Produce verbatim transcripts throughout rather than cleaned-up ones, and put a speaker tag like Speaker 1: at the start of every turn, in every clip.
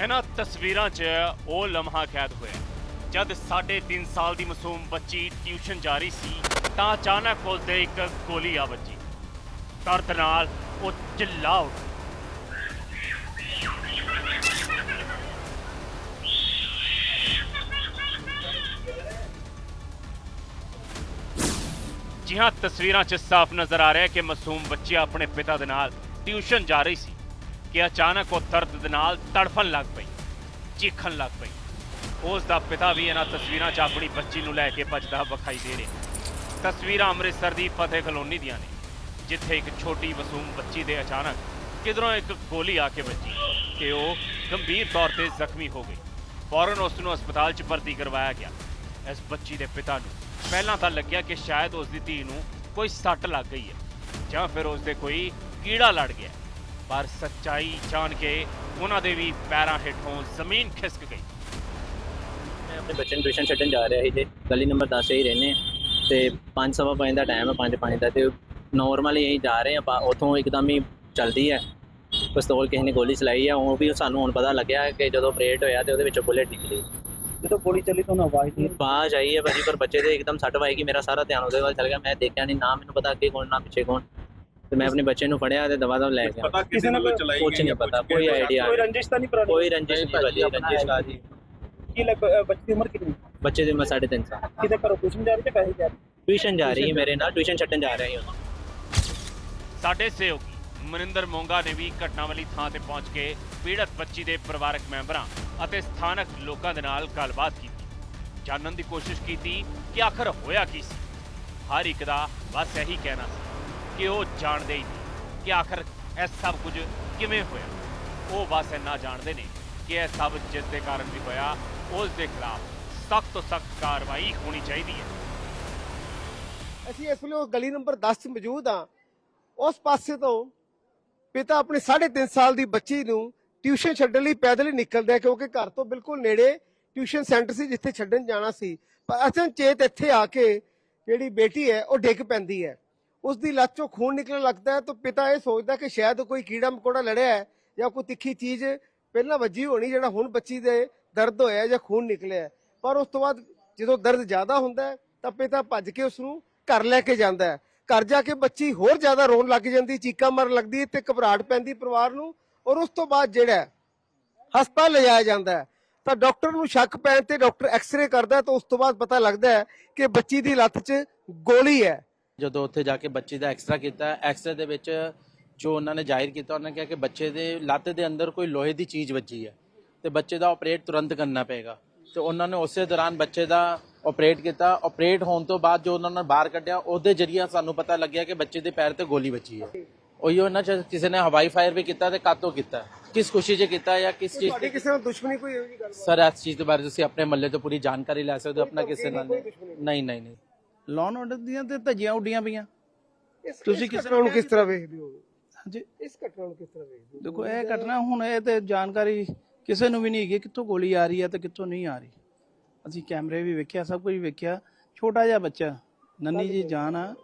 Speaker 1: इन्हां तस्वीरां 'च वो लम्हा कैद होया जद साढ़े तीन साल की मासूम बच्ची ट्यूशन जा रही सी तां अचानक उसदे एक गोली आ बजी। दर्द नाल वो चिल्ला उठी। जी हाँ, तस्वीरां 'च साफ नजर आ रहा है कि मासूम बच्ची अपने पिता दे नाल ट्यूशन जा रही सी कि अचानक वो दर्द दे नाल तड़फन लग पई, चीखन लग पई। उसका पिता भी इन्हां तस्वीरां 'च अपनी बच्ची नूं लैके भजदा विखाई दे रहा। तस्वीरां अमृतसर दी फतेह कलोनी दियां ने जिथे एक छोटी मासूम बच्ची दे अचानक किधरों एक गोली आके बजी कि वो गंभीर तौर पर जख्मी हो गई। फौरन उसनूं अस्पताल च भर्ती करवाया गया। इस बच्ची के पिता नूं पहलां तां लग्या कि शायद उसकी धी नूं कोई सट लग गई है जां फिर उसदे कोई कीड़ा लड़ गया, पर सच्चाई जान के उन्हां दे भी पैरां हेठों जमीन खिसक गई।
Speaker 2: मैं अपने बच्चे ट्यूशन छड्डन जा रहा जी, गली नंबर दस ही रहने तो पाँच सवा पाँच का टाइम है, पाँच पाँच का तो नॉर्मल यहीं जा रहे हैं। उतों एकदम ही चलती है पिस्तौल किसी ने गोली चलाई है। वो भी सानू हुण पता लग्या कि जो ऑपरेट होया तो वो बुलेट निकली।
Speaker 3: जो गोली चली तो आवाज़ नहीं
Speaker 2: आवाज़ आई है भाजी, पर बच्चे तो एकदम सट पाएगी। मेरा सारा ध्यान उसदे वाल चल गया। मैं देखा नहीं, ना मैंने पता अगे कौन ना पिछे कौन। तो मैं अपने बच्चे को फड़िया तो दवा दवा लै गया।
Speaker 3: किसी ने
Speaker 2: कुछ नहीं पता, कोई आइडिया
Speaker 3: कोई रंजिश तो नहीं पुरानी?
Speaker 2: कोई रंजिश नहीं भाजी, रंजिश का जी।
Speaker 3: की लग बच्चे की उम्र कितनी?
Speaker 2: बच्चे की उम्र साढ़े तीन साल।
Speaker 3: किधर करो ट्यूशन जा रही है, पैसे जा रही है?
Speaker 2: ट्यूशन जा रही है मेरे नाल, ट्यूशन छड्डन जा रहे हैं।
Speaker 1: साडे सहयोगी मनिंदर मोंगा ने भी घटना वाली थां ते पहुंच के पीड़ित बच्ची के परिवारक मैंबरां अते स्थानक लोकां दे नाल गलबात की, जानन दी कोशिश की कि आखिर होया की सी। हर एक दा बस यही कहना सी कि वो जानते ही नहीं कि आखिर यह सब कुछ किवें होया। वो बस इन्ना जानते ने कि यह सब जिस दे कारण भी होया उस दे खिलाफ सख्त तो सख्त कार्रवाई होनी चाहिए है।
Speaker 4: ਅਸੀਂ ਇਸ ਵੇਲੇ ਗਲੀ ਨੰਬਰ दस 'ਚ ਮੌਜੂਦ ਹਾਂ। ਉਸ ਪਾਸੇ ਤੋਂ ਪਿਤਾ ਆਪਣੀ ਸਾਢੇ ਤਿੰਨ ਸਾਲ ਦੀ ਬੱਚੀ ਨੂੰ ਟਿਊਸ਼ਨ ਛੱਡਣ ਲਈ ਪੈਦਲ ਹੀ ਨਿਕਲਦਾ ਕਿਉਂਕਿ ਘਰ ਤੋਂ ਬਿਲਕੁਲ ਨੇੜੇ ਟਿਊਸ਼ਨ ਸੈਂਟਰ ਸੀ ਜਿੱਥੇ ਛੱਡਣ ਜਾਣਾ ਸੀ। ਪਰ ਅਚਨਚੇਤ ਇੱਥੇ ਆ ਕੇ ਜਿਹੜੀ ਬੇਟੀ ਹੈ ਉਹ ਡਿੱਗ ਪੈਂਦੀ ਹੈ। ਉਸ ਦੀ ਲੱਤ 'ਚੋਂ ਖੂਨ ਨਿਕਲਣ ਲੱਗਦਾ ਹੈ ਤਾਂ ਪਿਤਾ ਇਹ ਸੋਚਦਾ ਕਿ ਸ਼ਾਇਦ ਕੋਈ ਕੀੜਾ ਮਕੌੜਾ ਲੜਿਆ ਹੈ ਜਾਂ ਕੋਈ ਤਿੱਖੀ ਚੀਜ਼ ਪਹਿਲਾਂ ਵੱਜੀ ਹੋਣੀ ਜਿਹੜਾ ਹੁਣ ਬੱਚੀ ਦੇ ਦਰਦ ਹੋਇਆ ਜਾਂ ਖੂਨ ਨਿਕਲਿਆ। ਪਰ ਉਸ ਤੋਂ ਬਾਅਦ ਜਦੋਂ ਦਰਦ ਜ਼ਿਆਦਾ ਹੁੰਦਾ ਹੈ ਤਾਂ ਪਿਤਾ ਭੱਜ ਕੇ ਉਸ ਨੂੰ घर लैके जाता है। घर जाके बच्ची होर ज्यादा रोन लग जाती, चीका मारन लगती है, घबराहट पैंदी परिवार नूं। और उस तो बाद जिहड़ा हस्पताल ले जाया जाता है तो डॉक्टर नूं शक पैण ते डॉक्टर एक्सरे करता है तो उस तो बाद पता लगता है कि बच्ची दी लत्त च गोली है।
Speaker 5: ਜਦੋਂ ਉੱਥੇ ਜਾ ਕੇ ਬੱਚੀ ਦਾ ਐਕਸਰਾ ਕੀਤਾ, ਐਕਸਰੇ ਦੇ ਵਿੱਚ ਜੋ ਉਹਨਾਂ ਨੇ ਜ਼ਾਹਿਰ ਕੀਤਾ, ਉਹਨਾਂ ਨੇ ਕਿਹਾ ਕਿ ਬੱਚੇ ਦੇ ਲੱਤ ਦੇ ਅੰਦਰ ਕੋਈ ਲੋਹੇ ਦੀ ਚੀਜ਼ ਵੱਜੀ ਹੈ ਤੇ ਬੱਚੇ ਦਾ ਆਪਰੇਟ ਤੁਰੰਤ ਕਰਨਾ ਪਏਗਾ। ਤੇ ਉਹਨਾਂ ਨੇ ਉਸੇ ਦੌਰਾਨ ਬੱਚੇ ਦਾ ਆਪਰੇਟ ਕੀਤਾ। ਆਪਰੇਟ ਹੋਣ ਤੋਂ ਬਾਅਦ ਜੋ ਉਹਨਾਂ ਨੇ ਬਾਹਰ ਕੱਢਿਆ ਉਹਦੇ ਜਰੀਏ ਸਾਨੂੰ ਪਤਾ ਲੱਗਿਆ ਕਿ ਬੱਚੇ ਦੇ ਪੈਰ ਤੇ ਗੋਲੀ ਵੱਜੀ ਹੈ। ਉਹੀ ਉਹਨਾਂ ਚ ਕਿਸੇ ਨੇ ਹਵਾਈ ਫਾਇਰ ਵੀ ਕੀਤਾ ਤੇ ਕਾਤੋਂ ਕੀਤਾ, ਕਿਸ ਖੁਸ਼ੀ 'ਚ ਕੀਤਾ ਜਾਂ ਕਿਸ ਚੀਜ਼
Speaker 4: ਤੁਹਾਡੀ ਕਿਸੇ ਨਾਲ ਦੁਸ਼ਮਣੀ ਕੋਈ ਇਹੋ ਜਿਹੀ ਗੱਲ?
Speaker 5: ਸਰ ਇਸ ਚੀਜ਼ ਦੇ ਬਾਰੇ ਤੁਸੀਂ ਆਪਣੇ ਮੱਲੇ ਤੋਂ ਪੂਰੀ ਜਾਣਕਾਰੀ ਲੈ ਸਕਦੇ ਹੋ। ਆਪਣਾ ਕਿਸੇ ਨਾਲ ਨਹੀਂ ਨਹੀਂ ਨਹੀਂ
Speaker 6: ਲੋਨ ਆਰਡਰ ਦੀਆਂ ਤੇ ਧੱਜੀਆਂ ਉੱਡੀਆਂ ਪਈਆਂ।
Speaker 4: ਤੁਸੀਂ ਕਿਸ ਨੂੰ ਕਿਸ ਤਰ੍ਹਾਂ ਵੇਖਦੇ ਹੋ?
Speaker 6: ਹਾਂਜੀ,
Speaker 4: ਇਸ ਘਟਨਾ ਨੂੰ ਕਿਸ ਤਰ੍ਹਾਂ ਵੇਖਦੇ ਹੋ?
Speaker 6: ਦੇਖੋ ਇਹ ਘਟਨਾ ਹੁਣ ਇਹ ਤੇ ਜਾਣਕਾਰੀ ਕਿਸੇ ਨੂੰ ਵੀ ਨਹੀਂ ਹੈਗੀ ਕਿੱਥੋਂ ਗੋਲੀ ਆ ਰਹੀ ਹੈ ਤੇ ਕਿੱਥੋਂ ਨਹੀਂ ਆ ਰਹੀ। ਅਸੀਂ ਕੈਮਰੇ ਵੀ ਵੇਖਿਆ, ਸਭ ਕੁਝ ਵੇਖਿਆ। ਛੋਟਾ ਜਿਹਾ ਬੱਚਾ, ਨੰਨੀ ਜੀ ਜਾਨ ਆ।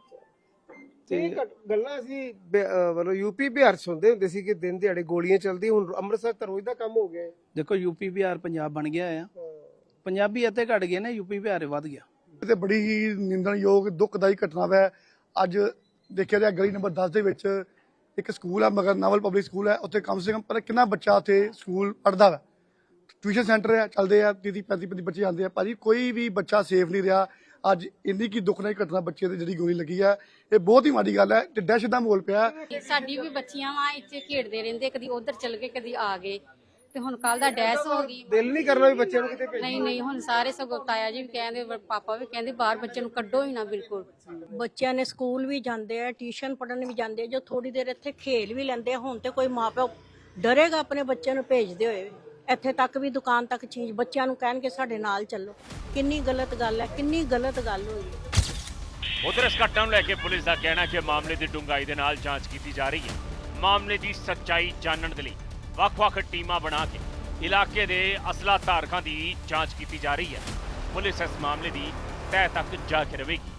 Speaker 4: ਤੇ ਗੱਲਾਂ ਅਸੀਂ ਮਤਲਬ ਯੂਪੀ ਬਿਹਾਰ ਸੁਣਦੇ ਹੁੰਦੇ ਸੀ ਕਿ ਦਿਨ ਦਿਹਾੜੇ ਗੋਲੀਆਂ ਚੱਲਦੀਆਂ, ਹੁਣ ਅੰਮ੍ਰਿਤਸਰ ਤਾਂ ਰੋਜ਼ ਦਾ ਕੰਮ ਹੋ ਗਿਆ।
Speaker 6: ਦੇਖੋ ਯੂਪੀ ਬਿਹਾਰ ਪੰਜਾਬ ਬਣ ਗਿਆ ਆ। ਪੰਜਾਬੀ ਇੱਥੇ ਘਟ ਗਏ ਨੇ, ਯੂਪੀ ਬਿਹਾਰ ਵੱਧ ਗਿਆ।
Speaker 7: ਤੇ ਬੜੀ ਹੀ ਨਿੰਦਣਯੋਗ ਦੁਖਦਾਈ ਘਟਨਾ ਹੈ। ਅੱਜ ਦੇਖਿਆ ਜਾਏ ਗਲੀ ਨੰਬਰ ਦਸ ਦੇ ਵਿੱਚ ਇੱਕ ਸਕੂਲ ਹੈ, ਮਗਰ ਨਾਵਲ ਪਬਲਿਕ ਸਕੂਲ ਹੈ। ਉੱਥੇ ਕਮ ਸੇ ਕਮ ਪਰ ਕਿੰਨਾ ਬੱਚਾ ਉੱਥੇ ਸਕੂਲ ਪੜ੍ਹਦਾ ਵਾ। ਟਿਊਸ਼ਨ ਸੈਂਟਰ ਹੈ, ਚੱਲਦੇ ਆ, ਤੀਹ ਪੈਂਤੀ ਪੈਂਤੀ ਬੱਚੇ ਆਉਂਦੇ ਆ। ਭਾਜੀ ਕੋਈ ਵੀ ਬੱਚਾ ਸੇਫ ਨਹੀਂ ਰਿਹਾ। ਅੱਜ ਇੰਨੀ ਕੀ ਦੁਖਦਾਈ ਘਟਨਾ ਬੱਚੇ ਤੇ ਜਿਹੜੀ ਗੋਲੀ ਲੱਗੀ ਹੈ, ਇਹ ਬਹੁਤ ਹੀ ਮਾੜੀ ਗੱਲ ਹੈ ਤੇ ਦਹਿਸ਼ਤ ਦਾ ਮਾਹੌਲ ਪਿਆ।
Speaker 8: ਸਾਡੀ ਵੀ ਬੱਚੀਆਂ ਵਾ ਇੱਥੇ ਖੇਡਦੇ ਰਹਿੰਦੇ, ਕਦੀ ਉਧਰ ਚਲ ਗਏ ਕਦੀ ਆ ਗਏ ਤੇ ਹੁਣ ਕੱਲ ਦਾ ਡੈਸ ਹੋ ਗਈ।
Speaker 4: ਦਿਲ ਨਹੀਂ ਕਰਨਾ ਵੀ ਬੱਚਿਆਂ ਨੂੰ ਕਿਤੇ ਭੇਜੋ।
Speaker 8: ਨਹੀਂ ਨਹੀਂ ਹੁਣ ਸਾਰੇ ਸਗੋਂ ਤਾਇਆ ਜੀ ਵੀ ਕਹਿੰਦੇ, ਪਾਪਾ ਵੀ ਕਹਿੰਦੇ ਬਾਹਰ ਬੱਚੇ ਨੂੰ ਕੱਢੋ ਹੀ ਨਾ ਬਿਲਕੁਲ।
Speaker 9: ਬੱਚਿਆਂ ਨੇ ਸਕੂਲ ਵੀ ਜਾਂਦੇ ਆ, ਟਿਊਸ਼ਨ ਪੜ੍ਹਨ ਵੀ ਜਾਂਦੇ ਆ, ਜੋ ਥੋੜੀ ਦੇਰ ਇੱਥੇ ਖੇਲ ਵੀ ਲੈਂਦੇ ਆ। ਹੁਣ ਤੇ ਕੋਈ ਮਾਪਿਓ ਡਰੇਗਾ ਆਪਣੇ ਬੱਚਿਆਂ ਨੂੰ ਭੇਜਦੇ ਹੋਏ। ਇੱਥੇ ਤੱਕ ਵੀ ਦੁਕਾਨ ਤੱਕ ਚੀਜ਼ ਬੱਚਿਆਂ ਨੂੰ ਕਹਿਣਗੇ ਸਾਡੇ ਨਾਲ ਚੱਲੋ। ਕਿੰਨੀ ਗਲਤ ਗੱਲ ਹੈ, ਕਿੰਨੀ ਗਲਤ ਗੱਲ ਹੋਈ ਹੈ।
Speaker 1: उधर इस घटना को लेकर पुलिस का कहना है कि मामले की डूंघाई के नाल जांच की जा रही है। मामले की सच्चाई जानने के लिए ਵੱਖ-ਵੱਖ ਟੀਮਾਂ बना के इलाके के असला धारकों की जांच की जा रही है। पुलिस इस मामले की तह तक जाके रहेगी।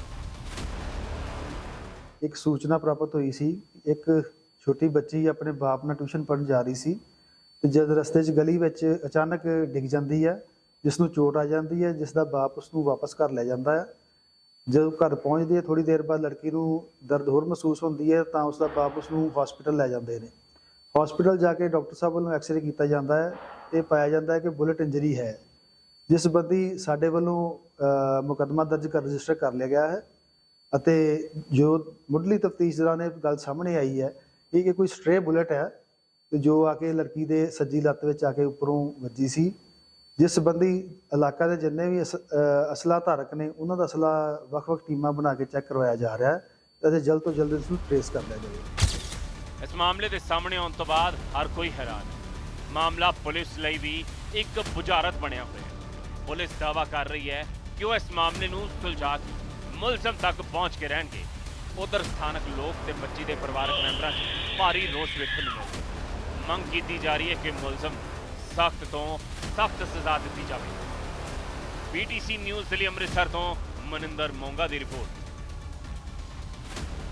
Speaker 10: एक सूचना प्राप्त हुई सी, एक छोटी बच्ची अपने बाप ਨਾਲ ट्यूशन पढ़न जा रही सी ਤੇ ਜਦ ਰਸਤੇ 'ਚ ਗਲੀ ਵਿੱਚ ਅਚਾਨਕ ਡਿੱਗ ਜਾਂਦੀ ਹੈ, ਜਿਸ ਨੂੰ ਚੋਟ ਆ ਜਾਂਦੀ ਹੈ, ਜਿਸ ਦਾ ਬਾਪ ਉਸ ਨੂੰ ਵਾਪਸ ਘਰ ਲੈ ਜਾਂਦਾ ਹੈ। ਜਦੋਂ ਘਰ ਪਹੁੰਚਦੀ ਹੈ ਥੋੜੀ ਦੇਰ ਬਾਅਦ ਲੜਕੀ ਨੂੰ ਦਰਦ ਹੋਰ ਮਹਿਸੂਸ ਹੁੰਦੀ ਹੈ ਤਾਂ ਉਸ ਦਾ ਬਾਪ ਉਸ ਨੂੰ ਹਸਪੀਟਲ ਲੈ ਜਾਂਦੇ ਨੇ। ਹਸਪੀਟਲ ਜਾ ਕੇ ਡਾਕਟਰ ਸਾਹਿਬ ਵੱਲੋਂ ਐਕਸਰੇ ਕੀਤਾ ਜਾਂਦਾ ਹੈ ਤੇ ਪਾਇਆ ਜਾਂਦਾ ਹੈ ਕਿ ਬੁਲਟ ਇੰਜਰੀ ਹੈ, ਜਿਸ ਸੰਬੰਧੀ ਸਾਡੇ ਵੱਲੋਂ ਮੁਕੱਦਮਾ ਦਰਜ ਕਰ ਰਜਿਸਟਰ ਕਰ ਲਿਆ ਗਿਆ ਹੈ। ਅਤੇ ਜੋ ਮੁੱਢਲੀ ਤਫਤੀਸ਼ ਦੌਰਾਨ ਇਹ ਗੱਲ ਸਾਹਮਣੇ ਆਈ ਹੈ ਇਹ ਕਿ ਕੋਈ ਸਟ੍ਰੇ ਬੁਲਟ ਹੈ ਤੇ ਜੋ ਆ ਕੇ ਲੜਕੀ ਦੇ ਸੱਜੀ ਲੱਤ ਵਿੱਚ ਆ ਕੇ ਉੱਪਰੋਂ ਵੱਜੀ ਸੀ, ਜਿਸ ਸੰਬੰਧੀ ਇਲਾਕਾ ਦੇ ਜਿੰਨੇ ਵੀ ਅਸ ਅਸਲਾ ਧਾਰਕ ਨੇ ਉਹਨਾਂ ਦਾ ਅਸਲਾ ਵੱਖ-ਵੱਖ ਟੀਮਾਂ ਬਣਾ ਕੇ ਚੈੱਕ ਕਰਵਾਇਆ ਜਾ ਰਿਹਾ ਹੈ ਅਤੇ ਜਲਦ ਤੋਂ ਜਲਦ ਇਸ ਨੂੰ ਟ੍ਰੇਸ ਕਰ ਲਿਆ ਜਾਵੇ।
Speaker 1: ਇਸ ਮਾਮਲੇ ਦੇ ਸਾਹਮਣੇ ਆਉਣ ਤੋਂ ਬਾਅਦ ਹਰ ਕੋਈ ਹੈਰਾਨ। ਮਾਮਲਾ ਪੁਲਿਸ ਲਈ ਵੀ ਇੱਕ ਬੁਝਾਰਤ ਬਣਿਆ ਹੋਇਆ ਹੈ। ਪੁਲਿਸ ਦਾਅਵਾ ਕਰ ਰਹੀ ਹੈ ਕਿ ਉਹ ਇਸ ਮਾਮਲੇ ਨੂੰ ਸੁਲਝਾ ਕੇ ਮੁਲਜ਼ਮ ਤੱਕ ਪਹੁੰਚ ਕੇ ਰਹਿਣਗੇ। ਉਧਰ ਸਥਾਨਕ ਲੋਕ ਤੇ ਬੱਚੀ ਦੇ ਪਰਿਵਾਰਕ ਮੈਂਬਰਾਂ 'ਚ ਭਾਰੀ ਰੋਸ ਵੇਖਣ ਨੂੰ ਮਿਲਿਆ। ਮੰਗ ਕੀਤੀ ਜਾ ਰਹੀ ਹੈ ਕਿ ਮੁਲਜ਼ਮ ਸਖਤ ਤੋਂ ਸਖਤ ਸਜ਼ਾ ਦਿੱਤੀ ਜਾਵੇ। ਪੀਟੀਸੀ ਨਿਊਜ਼ ਦੇ ਲਈ ਅੰਮ੍ਰਿਤਸਰ ਤੋਂ ਮਨਿੰਦਰ ਮੋਂਗਾ ਦੀ ਰਿਪੋਰਟ।